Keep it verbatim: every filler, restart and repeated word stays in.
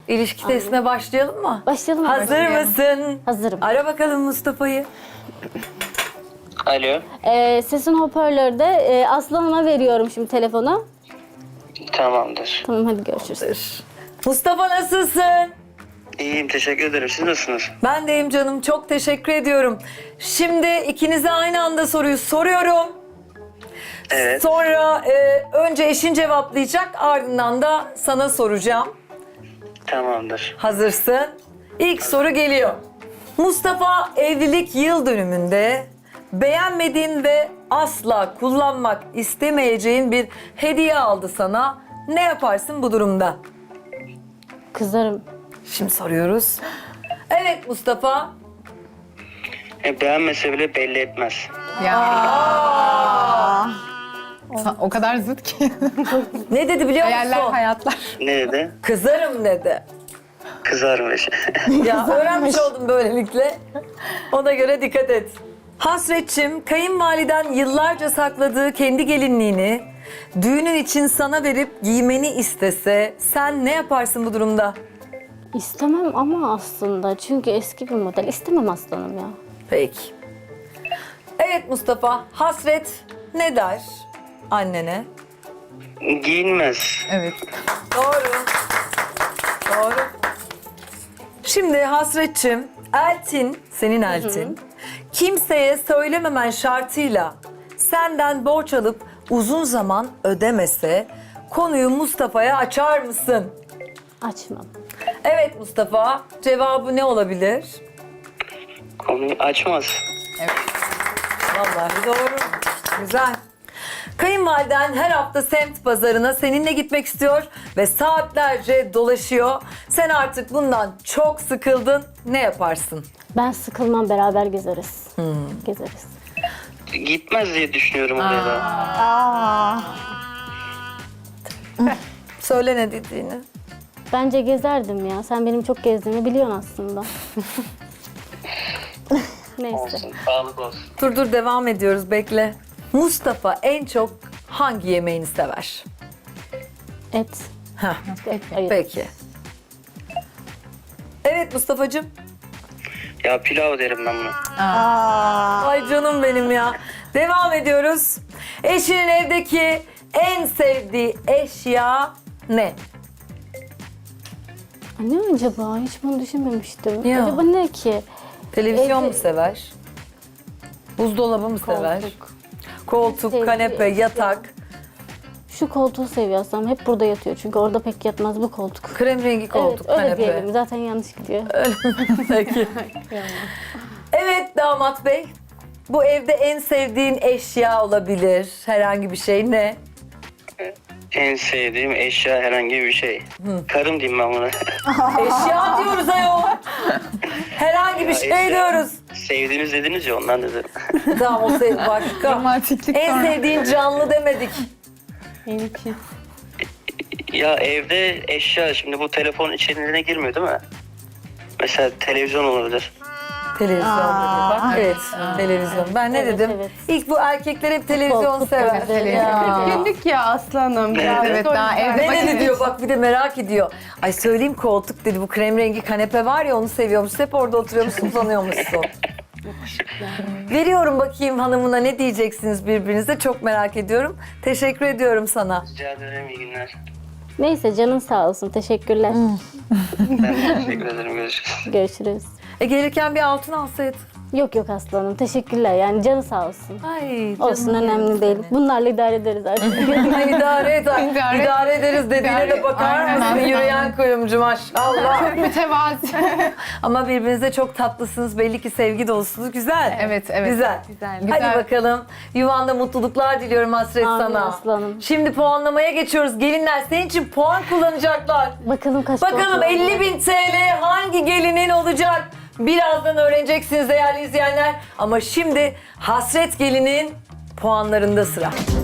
İlişki testine başlayalım mı? Başlayalım mı? Hazır mısın? Hazırım. Ara bakalım Mustafa'yı. Alo. Ee, sesin hoparlörde. Ee, Aslı Hanım'a veriyorum şimdi telefonu. Tamamdır. Tamam, hadi görüşürüz. Mustafa nasılsın? İyiyim, teşekkür ederim. Siz nasılsınız? Ben deyim canım, çok teşekkür ediyorum. Şimdi ikinize aynı anda soruyu soruyorum. Evet. Sonra e, önce eşin cevaplayacak, ardından da sana soracağım. Tamamdır. Hazırsın. İlk soru geliyor. Mustafa evlilik yıl dönümünde beğenmediğin ve asla kullanmak istemeyeceğin bir hediye aldı sana. Ne yaparsın bu durumda? Kızarım. Şimdi soruyoruz. Evet Mustafa. E, beğenmese bile belli etmez. Ya. O kadar zıt ki. Ne dedi biliyor musun? Hayaller, hayatlar. Ne dedi? Kızarım dedi. Kızarmış. Ya öğrenmiş oldum böylelikle. Ona göre dikkat et. Hasretçim, kayınvaliden yıllarca sakladığı kendi gelinliğini düğünün için sana verip giymeni istese sen ne yaparsın bu durumda? İstemem ama aslında. Çünkü eski bir model. İstemem aslanım ya. Peki. Evet Mustafa, Hasret ne der annene? Giyinmez. Evet. Doğru. Doğru. Şimdi Hasretçim, Eltin, senin Eltin, kimseye söylememen şartıyla senden borç alıp uzun zaman ödemese konuyu Mustafa'ya açar mısın? Açmam. Evet Mustafa, cevabı ne olabilir? Konuyu açmaz. Vallahi doğru. Güzel. Kayınvaliden her hafta semt pazarına seninle gitmek istiyor ve saatlerce dolaşıyor. Sen artık bundan çok sıkıldın. Ne yaparsın? Ben sıkılmam, beraber gezeriz. Gezeriz. Gitmez diye düşünüyorum oraya da. Söyle ne dediğini. Bence gezerdim ya. Sen benim çok gezdiğimi biliyorsun aslında. Neyse. Olsun. Sağlık olsun. Dur dur devam ediyoruz bekle. Mustafa en çok hangi yemeğini sever? Et. Heh, Et, ayıp. peki. Evet Mustafa'cığım. Ya pilav derim ben buna. Ay canım benim ya. Devam ediyoruz. Eşinin evdeki en sevdiği eşya ne? Ne acaba? Hiç bunu düşünmemiştim. Ya. Acaba ne ki? Televizyon Evde- mu sever? Buzdolabı mı sever? Koltuk. Koltuk, Sevdiği kanepe, eşya. yatak, Şu koltuğu seviyor aslında. Hep burada yatıyor. Çünkü orada pek yatmaz bu koltuk. krem rengi koltuk, evet, öyle kanepe. diyelim. Zaten yanlış gidiyor. Peki. Evet damat bey. Bu evde en sevdiğin eşya olabilir. Herhangi bir şey ne? En sevdiğim eşya herhangi bir şey. Karım diyeyim ben buna. Eşya diyoruz ayol. Herhangi bir şey eşya. diyoruz. Sevdiğimiz dediniz ya ondan dedim. Tamam o sev başka. Romantiklik En sonra. sevdiğin canlı demedik. Benimki. Ya evde eşya şimdi bu telefon içeriğine girmiyor değil mi? Mesela televizyon olabilir. Televizyon dedi. Bak evet, televizyon. Ben ne Evet, dedim? evet. İlk bu erkekler hep televizyon Futbol, sever. futbol izleriz. Ya. Günlük ya aslanım. Evet. Evet, daha evde Ne dedi vakit- diyor bak bir de merak ediyor. Ay söyleyeyim koltuk dedi bu krem rengi kanepe var ya onu seviyormuş. Hep orada oturuyormuşsun uzanıyormuşsun. Veriyorum bakayım hanımına ne diyeceksiniz birbirinize çok merak ediyorum. Teşekkür ediyorum sana. Rica ederim, iyi günler. Neyse, canın sağ olsun. Teşekkürler. Ben de teşekkür ederim, görüşürüz. Görüşürüz. E gelirken bir altın alsaydın. Yok yok aslanım. Teşekkürler. Yani canı sağ olsun. Ay canım Olsun, önemli benim değil. seni. Bunlarla idare ederiz artık. Ay idare et. ay. İdare- idare ederiz dediğine de İdare- bakar Aynen, mısın? aynen. Yürüyen kuyumcu maşallah. Mütevazi. Ama birbirinize çok tatlısınız. Belli ki sevgi dolusunuz. Güzel. Evet, evet. Güzel. Güzel, Hadi güzel. bakalım. Yuvanda mutluluklar diliyorum Hasret Amin sana. aslanım. Şimdi puanlamaya geçiyoruz. Gelinler senin için puan kullanacaklar. Bakalım kaç Bakalım puan elli bin T L hangi gelinin olacak? Birazdan öğreneceksiniz değerli izleyenler. Ama şimdi Hasret gelinin puanlarında sıra.